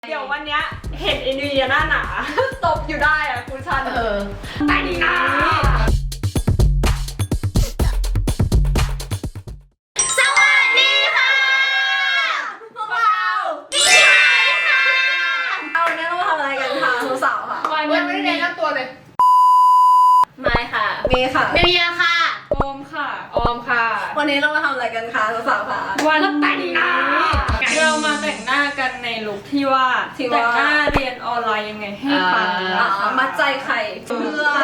เดี๋ยววันเนี้ยเห็นไอ้นิวหน้าหนาตบอยู่ได้อะคุณชันแต่งหน้าสวัสดีค่ะพวกเราดีใจค่ะเอาวันนี้เรามาทำอะไรกันคะสาวๆค่ะวันนี้ไม่ได้แนะนำตัวเลยไม่ค่ะเมย์ค่ะเมียค่ะโอมค่ะออมค่ะวันนี้เรามาทำอะไรกันคะสาวๆค่ะวันแต่งหน้าเรามาแต่งหน้ากันในลุคที่ว่าแต่งหน้าเรียนออนไลน์ยังไงให้ปังนะคะมัดใจไข่เพื่อน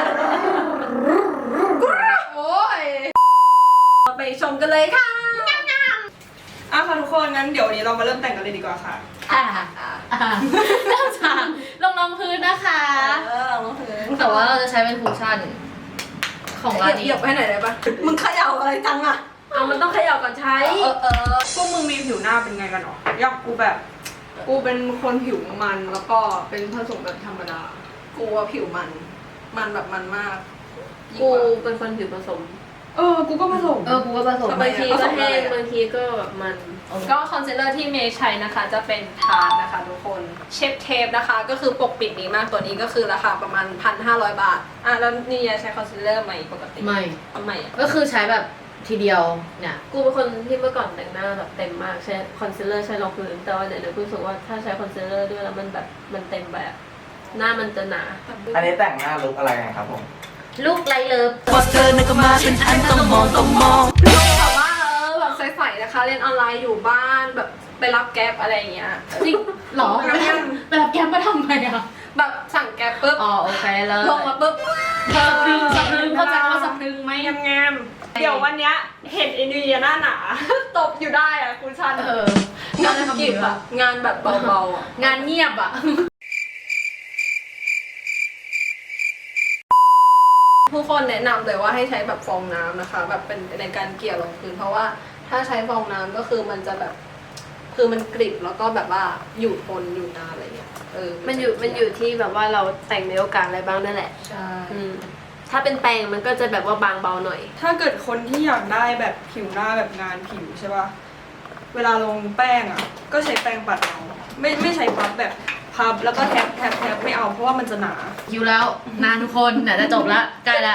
โอ้ยไปชมกันเลยค่ะอ่ะค่ะทุกคนงั้นเดี๋ยววันนี้เรามาเริ่มแต่งกันเลยดีกว่าค่ะเริ่มจากลงรองพื้นนะคะลงพื้นแต่ว่าเราจะใช้เป็นคุชชั่นของร้านนี้เหยียบให้หน่อยได้ปะมึงเขย่าอะไรจังอะเอามันต้องเขย่าก่อนใช้พวกมึงมีผิวหน้าเป็นไงกันหรออยากกูแบบกูเป็นคนผิวมันแล้วก็เป็นผสมแบบธรรมดากูว่าผิวมันแบบมันมากกูเป็นคนผิวผสมกูก็ผสมกูก็ผสมบางทีก็แห้งบางทีก็แบบมันก็คอนซีลเลอร์ที่เมย์ใช้นะคะจะเป็นทาร์นะคะทุกคนเชฟเทปนะคะก็คือปกปิดดีมากตัวนี้ก็คือราคาประมาณ 1,500 บาทแล้วนี่ยาใช้คอนซีลเลอร์ไหมปกติไม่ทำไมอ่ะก็คือใช้แบบทีเดียวเนี่ยกูเป็นคนที่เมื่อก่อนแต่งหน้าแบบเต็มมากใช้คอนซีลเลอร์ใช้รองพื้นแต่ว่าเดี๋ยวกูรู้สึกว่าถ้าใช้คอนซีลเลอร์ด้วยแล้วมันแบบมันเต็มแบบหน้ามันจะหนาอันนี้แต่งหน้าลุคอะไรกันครับผมลูกไรเลิฟพอเจอนึกมาเป็นอันต้องมองแบบว่าแบบใสๆนะคะเรียนออนไลน์อยู่บ้านแบบไปรับแก๊ปอะไรอย่างเงี้ยจริงหรอไปรับแกมมาทำไมอ่ะแบบสั่งแก๊ปปุ๊บอ๋อโอเคเลยลงมาปุ๊บสะพรึงเข้าใจว่าสะพรึงไหมงามๆเดี๋ยววันเนี้ยเห็นไอ้นิวหน้าหนาตบอยู่ได้อะคุณชันงานกิบอะงานแบบเบาๆอะงานเงียบอ่ะผู้คนแนะนำเลยว่าให้ใช้แบบฟองน้ำนะคะ แบบเป็นในการเกลี่ยลงพื้นเพราะว่าถ้าใช้ฟองน้ำก็คือมันจะแบบคือมันกริบแล้วก็แบบว่าอยู่ทนอยู่นานอะไรเงี้ยมันอยู่ที่แบบว่าเราแต่งในโอกาสอะไรบ้างนั่นแหละใช่ถ้าเป็นแปรงมันก็จะแบบว่าบางเบาหน่อยถ้าเกิดคนที่อยากได้แบบผิวหน้าแบบงานผิวใช่ป่ะเวลาลงแป้งอ่ะก็ใช้แป้งปัดเอาไม่ใช้พับแบบพับแล้วก็แทบไม่เอาเพราะว่ามันจะหนาอยู่แล้วนานทุกคนเนี่ยจะจบละใกล้ละ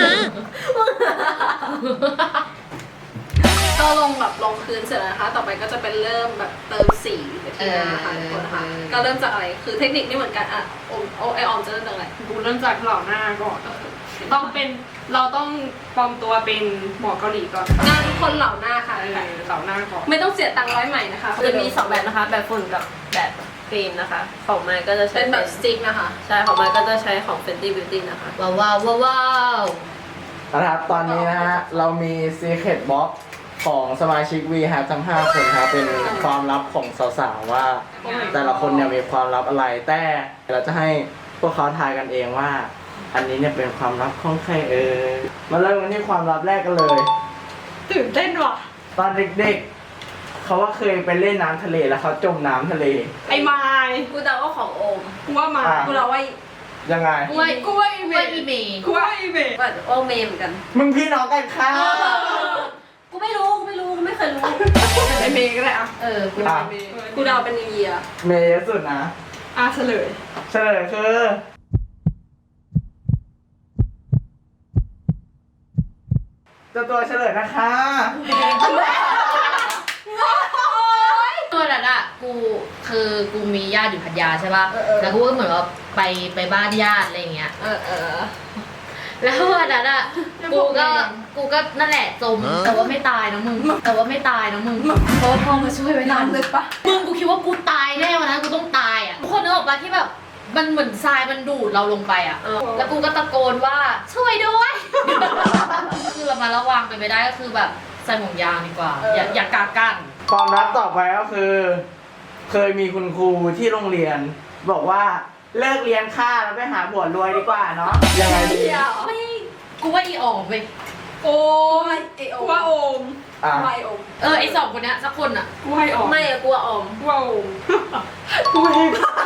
ก็ลงแบบลงพื้นเสร็จแล้วนะคะ ต่อไปก็จะเป็นเริ่มแบบเติมสีไปทีละนะคะทุกคนนะคะก็เริ่มจากอะไรคือเทคนิคนี่เหมือนกันอ่ะไอออมจะเริ่มจากอะไรกูเริ่มจากเหล่าหน้าก่อนเราต้องปลอมตัวเป็นหมอเกาหลีก่อนงานทุกคนเหล่าหน้าค่ะเหล่าหน้าก่อนไม่ต้องเสียตังค์ร้อยใหม่นะคะจะมี2แบบนะคะ แบบฝุ่นกับแบบครีมนะคะ ของไม้ก็จะใช้เป็นแบบสติ๊กนะคะใช่ของไม้ก็จะใช้ของ Fenty Beauty นะคะว้าวนะครับ ตอนนี้นะฮะ เรามี Secret Box ของสมาชิก V ฮะทั้ง 5 คนครับ เป็นความลับของสาวๆ ว่าแต่ละคนเนี่ยมีความลับอะไร แต่เราจะให้พวกเขาทายกันเองว่า อันนี้เนี่ยเป็นความลับของใครมาเริ่มกันที่ความลับแรกกันเลยตื่นเต้นว่ะตอนเด็กๆ เขาว่าเคยไปเล่นน้ำทะเลแล้วเขาจมน้ำทะเลไอ้ไม้กูเดาว่าของโอมกูว่าไม้กูเดาว่ายังไงกล้วยกูว่าอีเมอีเมย์กูว่าอีเมว่าโอเมย์เหมือนกันมึงพี่น้องกันค่ะกูไม่รู้กูไม่เคยรู้ไอเมย์ก็ได้อะกูอ่ะกูเดาเป็นนิวเยียร์เมย์เยอะสุดนะเฉลยเฉลยคือตัวเฉลยนะคะตัวนั้นอ่ะกูมีญาติอยู่พัทยาใช่ป่ะแล้วกูก็เหมือนว่าไปบ้านญาติอะไรอย่างเงี้ย แล้ววันนั้นอ่ะกูก็นั่นแหละจมแต่ว่าไม่ตายนะมึงเพราะว่าพ่อมาช่วยไว้ทันน้ำลึกปะมึงกูคิดว่ากูตายแน่วันนั้นกูต้องตายอ่ะทุกคนนึกออกปะที่แบบมันเหมือนทรายมันดูดเราลงไปอ่ะแล้วกูก็ตะโกนว่าช่วยด้วย คือเรามาระวังไปไม่ได้ก็คือแบบใส่ห่วงยางดีกว่าอย่ากากันความลับต่อไปก็คือ เคยมีคุณครูที่โรงเรียน บอกว่าเลิกเรียนค่าแล้วไปหาบวชรวยดีกว่าเนาะยังไงดีไม่กูว่าอีออกไปโอมไอโอกูมว่าโอมอ่ะไม่โอมไอ2คนเนี้ยสักคนอ่ะกูให้ออกไม่อะกูว่าออมกูว่าโอมกูให้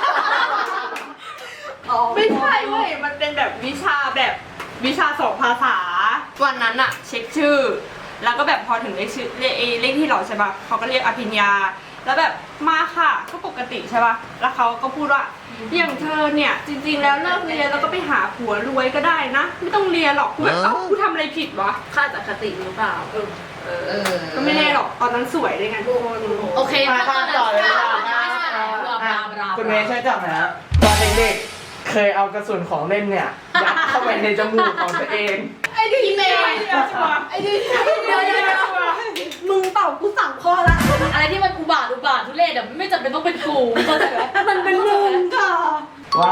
ไม่ใช่เว้ยมันเป็นแบบวิชาสอบภาษาวันนั้นอะเช็คชื่อ แล้วก็แบบพอถึงเลขชื่อเลขที่เราใช่ปะเขาก็เรียกอภิญญา แล้วแบบมาค่ะก็ปกติใช่ป่ะแล้วเขาก็พูดว่าอย่างเธอเนี่ยจริงๆแล้วเลิกเรียนแล้วก็ไปหาผัวรวยก็ได้นะไม่ต้องเรียนหรอกกูแบบเอ้ากูทำอะไรผิดวะค่าจากคติหรือเปล่าก็ไม่แน่หรอกตอนนั้นสวยเลยไงทุกคนโอเคมาข้ามต่อเลยดีกว่า คุณเมย์ช่วยจับหนะฮะตอนเด็กๆเคยเอากระสุนของเล่นเนี่ยยัดเข้าไปในจมูกของตัวเองไอ้ดิเมย์ไอ้ดิเดี๋ยวมึงตอบกูสั่งข้อละอะไรที่มันอุบาททุเรศอะไม่จำเป็นต้องเป็นกูเข้าใจไหมมันเป็นมึงค่ะว่า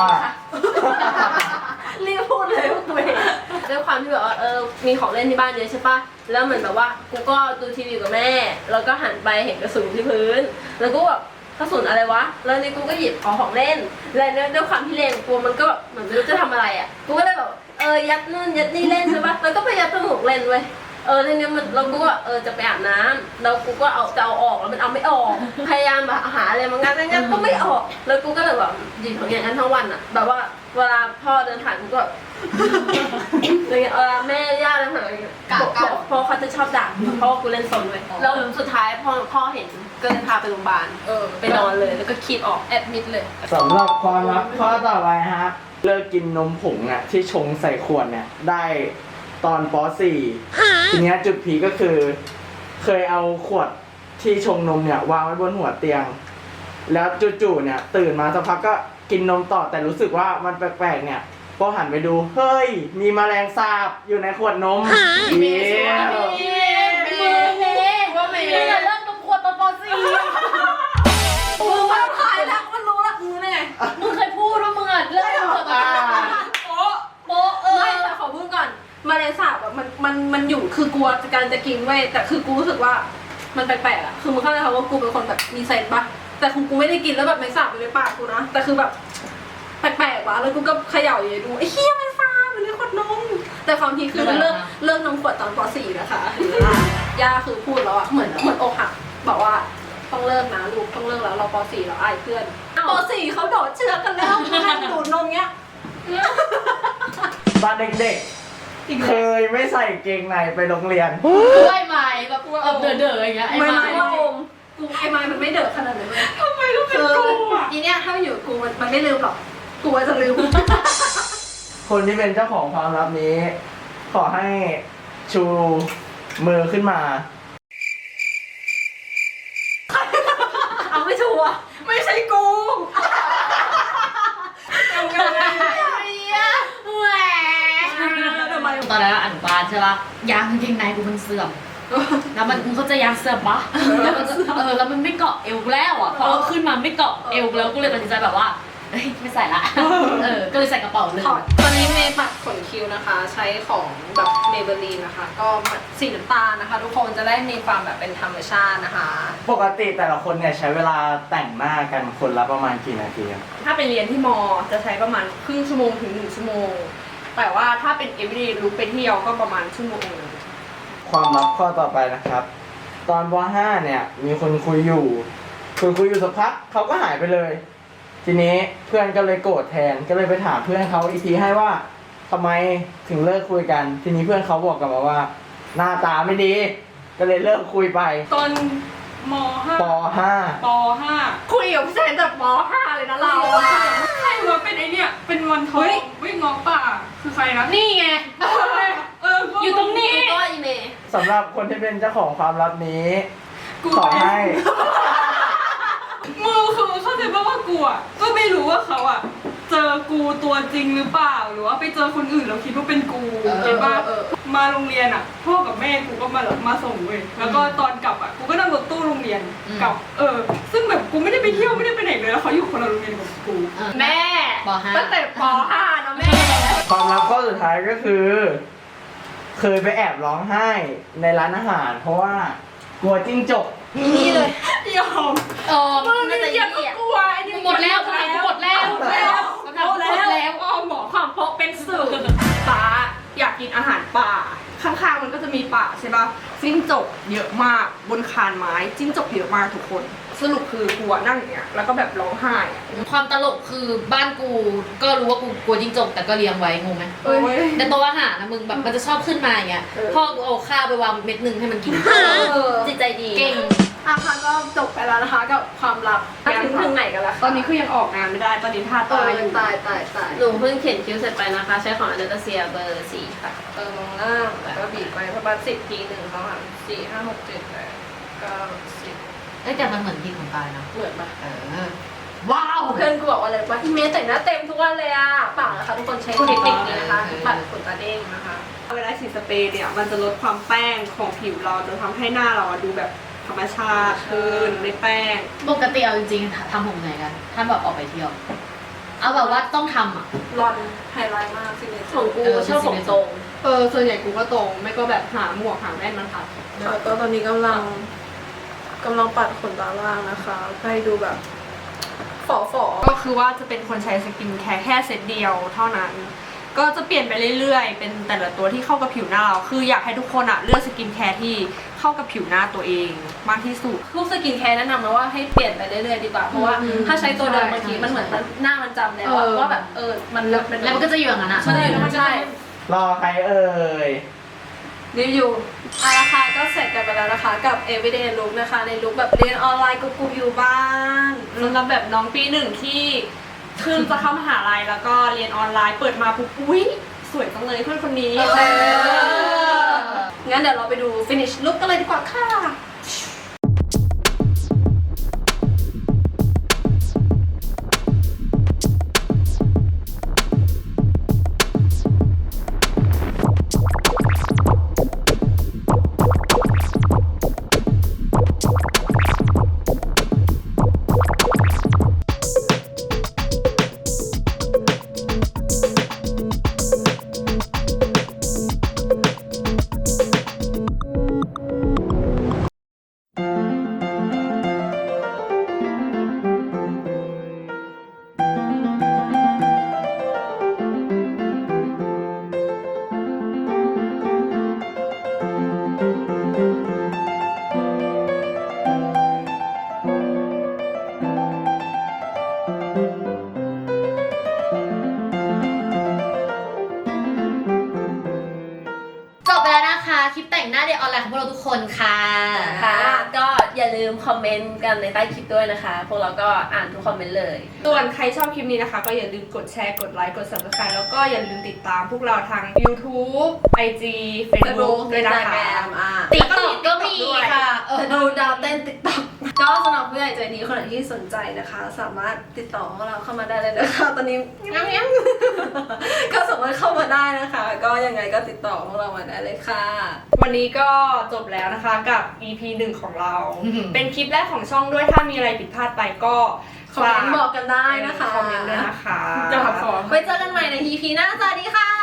รีบพูดเลยว่ากูเองด้วยความที่แบบว่ามีของเล่นที่บ้านเยอะใช่ปะแล้วเหมือนแบบว่ากูก็ดูทีวีกับแม่แล้วก็หันไปเห็นกระสุนที่พื้น แล้วกูแบบกระสุนอะไรวะแล้วนี่กูก็หยิบของเล่นแล้วด้วยความที่เล่นกูมันก็เหมือนไม่รู้จะทำอะไรอ่ะกูก็เลยแบบยัดนู่นยัดนี่เล่นใช่ปะแล้วก็ไปยัดจมูกเล่นเว้ยทีนี้มันเรากูก็จะไปอาบน้ำแล้วกูก็จะเอาออกแล้วมันเอาไม่ออกพยายามแบบหาอะไรมางั้นก็ไม่ออกแล้วกูก็เลยแบบหยิบของอย่างนั้นทั้งวันอ่ะแบบว่าเวลาพ่อเดินผ่านกูก็อะไรเงี้ยแม่ย่าเดินผ่านพ่อเขาจะชอบด่าเพราะว่ากูเล่นสนเว้ยแล้วสุดท้ายพ่อเห็นก็เลยพาไปโรงพยาบาลไปนอนเลยแล้วก็คีบออกแอดมิดเลยสำหรับความลับข้อต่อไปฮะเลิกกินนมผงอ่ะที่ชงใส่ขวดเนี่ยได้ตอนป .4 ทีเนี้ยจุดพีคก็คือ เคยเอาขวดที่ชงนมเนี่ยวางไว้บนหัวเตียง แล้วจู่ๆเนี่ยตื่นมาสักพักก็กินนมต่อแต่รู้สึกว่ามันแปลกๆเนี่ยพอหันไปดูเฮ้ยมีแมลงสาบอยู่ในขวดนมเย้ว่าไม่ได้เลิกนมขวดตอนป .4 มึงมาถ่ายแล้วมันรู้ละมึงได้ไงมึงเคยพูดว่ามึงอะเลิกนมขวดตอนป .4 โป๊ะไม่แต่ขอพูดก่อนมาเลสาบอะมันอยู่คือกลัวการจะกินเว้ยแต่คือกูรู้สึกว่ามันแปลกๆอะคือมึงเข้าใจคำว่ากูเป็นคนแบบมีเซนส์ปะแต่คือกูไม่ได้กินแล้วแบบไม่สาบอยู่ในปากกูนะแต่คือแบบแปลกๆว่ะแล้วกูก็เขย่าอยู่ดูไอ้เหี้ยไม่สาบมันเลยขวดนมแต่ความทีคือเลิกนมขวดตอนป .4 นะคะย่าคือพูดแล้วอะเหมือนอกหักบอกว่าต้องเลิกนะลูกต้องเลิกแล้วเราป .4 เราอายเพื่อนป .4 เขาโดดเชือกกันแล้วนั่งดูดนมเงี้ยตอนเด็กๆเคยไม่ใส่เกงในไปโรงเรียนด้วยไม้แบบเด๋อๆอย่างเงี้ยไอ้ไม่ไม้ว่าอมกูไอ้ไม้มันไม่เดือดขนาดนั้นเลยทำไมต้องเป็นกูอ่ะอีเนี่ยถ้าอยู่กูมันไม่ลืมหรอกกูจะลืมคนที่เป็นเจ้าของความลับนี้ ขอให้ชูมือขึ้นมาเอาไม่ชัวร์ไม่ใช่กูยังไงแหวทำไมตอนนั้นอนุบาลใช่ปะยางกางเกงในกูมันเสื่อมแล้วมันมึงเข้าใจยางเสื่อมปะแล้วมันแล้วมันไม่เกาะเอวแล้วอ่ะพอเอาขึ้นมาไม่เกาะเอวแล้วกูเลยตัดสินใจแบบว่าเฮ้ยไม่ใส่ละก็เลยใส่กระเป๋าเลยตอนนี้เมย์ปัดขนคิ้วนะคะ ใช้ของแบบเมเบลีนนะคะ ก็สีน้ำตาลนะคะ ทุกคนจะได้มีความแบบเป็นธรรมชาตินะคะปกติแต่ละคนเนี่ยใช้เวลาแต่งหน้ากันคนละประมาณกี่นาทีครับถ้าไปเรียนที่มอจะใช้ประมาณครึ่งชั่วโมงถึง1 ชั่วโมงแต่ว่าถ้าเป็น everyday look ไปเที่ยวก็ประมาณชั่วโมงนึงความลับข้อต่อไปนะครับ ตอนป .5 เนี่ยมีคนคุยอยู่สักพักเขาก็หายไปเลย ทีนี้เพื่อนก็เลยโกรธแทนก็เลยไปถามเพื่อนเขาอีกทีให้ว่าทำไมถึงเลิกคุยกัน ทีนี้เพื่อนเขาบอกกลับมาว่า หน้าตาไม่ดี ก็เลยเลิกคุยไปตอนมป .5 ป .5 คุยกับผู้ชายตั้งแต่ม .5 เลยนะเราอะใครวะเป็นไอเนี่ยเป็นวันทองวิ่งงอป่าคือใครนะนี่ไง อยู่ตรงนี้ก็อีเมย์ .5 สำหรับคนที่เป็นเจ้าของความลับนี้ ขอให้มือคือเข้าใจป่ะว่ากูอ่ะก็ไม่รู้ว่าเขาอ่ะเจอกูตัวจริงหรือเปล่าหรือว่าไปเจอคนอื่นแล้วคิดว่าเป็นกูเห็นป่ะมาโรงเรียนอ่ะพ่อกับแม่กูก็มาส่งเว้ยแล้วก็ตอนกลับอ่ะกูก็นั่งรถตู้โรงเรียนกลับซึ่งแบบกูไม่ได้ไปเที่ยวไม่ได้ไปไหนเลยแล้วเขาอยู่คนละโรงเรียนกับกูแม่ป .5 ตั้งแต่ป .5 นะแม่ความลับข้อสุดท้ายก็คือ เคยไปแอบร้องไห้ในร้านอาหาร เพราะว่ากลัวจิ้งจกนี่เลยยอมมึงน่าจะอย่าเหี้ยกลัวไอ้นี่หมดแล้วหมดแล้วอ้อมบอกความเพราะเป็นสื่อป้าอยากกินอาหารป่าข้างๆมันก็จะมีป่าใช่ป่ะจิ้งจกเยอะมากบนคานไม้จิ้งจกเยอะมากทุกคนสรุปคือกูอะนั่งอย่างเงี้ยแล้วก็แบบร้องไห้อะความตลกคือบ้านกูก็รู้ว่ากูกลัวจิ้งจกแต่ก็เลี้ยงไว้งงไหมเอ้ยแต่ตัวอาหารนะมึงแบบมันจะชอบขึ้นมาอย่างเงี้ยพ่อกูเอาข้าวไปวางเม็ดนึงให้มันกินจิตใจดีเก่งค่ะก็จบไปแล้วนะคะกับความลับถึงไหนกันแล้วตอนนี้คือยังออกงานไม่ได้ตอนนี้ท่าตาตาย อยู่ตายหนูเพิ่งเขียนคิ้วเสร็จไปนะคะ ใช้ของอันเดอร์เซียเบอร์4ค่ะมองล่างแล้วก็บีบไปประมาณ10 ที1 2 3 4 5 6 7 8 9 10 เอ้ยแต่มันเหมือนที่ของตายนะเหมือนปะว้าวเพื่อนกูบอกว่าอะไรว่าอีเมลแต่งหน้าเต็มทุกวันเลยอ่ะเปล่านะคะทุกคนใช้เทคนิคนี้นะคะปัดขนตาเด้งนะคะเวลาฉีดสเปรย์เนี่ยมันจะลดความแป้งของผิวเราจนทำให้หน้าเราดูแบบธรรมชาติขึ้นไม่แป้งปกติเอาจริงๆทำผมไหนกัน ถ้าแบบออกไปเที่ยว เอาแบบว่าต้องทำอ่ะรอนไฮไลท์มากสิเนี่ยของกูชอบผมตรงส่วนใหญ่กูก็ตรงไม่ก็แบบหาหมวกหาแว่นมันค่ะแล้วก็ตอนนี้กำลังปัดขนตาล่างนะคะให้ดูแบบฝ่อก็คือว่าจะเป็นคนใช้สกินแคร์แค่เซตเดียวเท่านั้น ก็จะเปลี่ยนไปเรื่อยๆ เป็นแต่ละตัวที่เข้ากับผิวหน้าเรา คืออยากให้ทุกคนอะเลือกสกินแคร์ที่เข้ากับผิวหน้าตัวเองมากที่สุดพวกสกินแคร์แนะนำนะว่าให้เปลี่ยนไปเรื่อยๆดีกว่าเพราะว่าถ้าใช้ตัวเดิมบางทีมันเหมือนหน้ามันจำแล้วว่าแบบมันเป็นแล้วมันก็จะอยู่อย่างนั้นอ่ะใช่แล้วมันใช่รอใครเอ่ยรีวิวราคาก็เสร็จกันไปแล้วนะคะกับ everyday look นะคะในลุคแบบเรียนออนไลน์กุ๊กอยู่บ้านสำหรับแบบน้องปีหนึ่งที่เพิ่งจะเข้ามหาลัยแล้วก็เรียนออนไลน์เปิดมาปุ๊บอุ๊ยสวยจังเลยเพื่อนคนนี้งั้นเดี๋ยวเราไปดู finish look กันเลยดีกว่าค่ะจบไปแล้วนะคะ คลิปแต่งหน้าเดย์ออนไลน์ของพวกเราทุกคนค่ะค่ะก็อย่าลืมคอมเมนต์กันในใต้คลิปด้วยนะคะ พวกเราก็อ่านทุกคอมเมนต์เลยส่วนใครชอบคลิปนี้นะคะ ก็อย่าลืมกดแชร์กดไลค์กด subscribe แล้วก็อย่าลืมติดตามพวกเราทาง YouTube IG Facebook ด้วยนะคะติ๊กต็อกก็มีค่ะดูดาวเต้น TikTok ก็สำหรับผู้ใหญ่ใจดีคนไหนที่สนใจนะคะ สามารถติดต่อพวกเราเข้ามาได้เลยนะคะตอนนี้ก็สามารถเข้ามาได้นะคะ ก็ยังไงก็ติดต่อพวกเรามาได้เลยค่ะวันนี้ก็จบแล้วนะคะกับ EP 1 ของเรา เป็นคลิปแรกของช่องด้วยถ้ามีอะไรผิดพลาดไปก็คอมเมนต์บอกกันได้นะคะคอมเมนต์ด้วยนะคะไว้เจอกันใหม่ใน EP หน้าสวัสดีค่ะ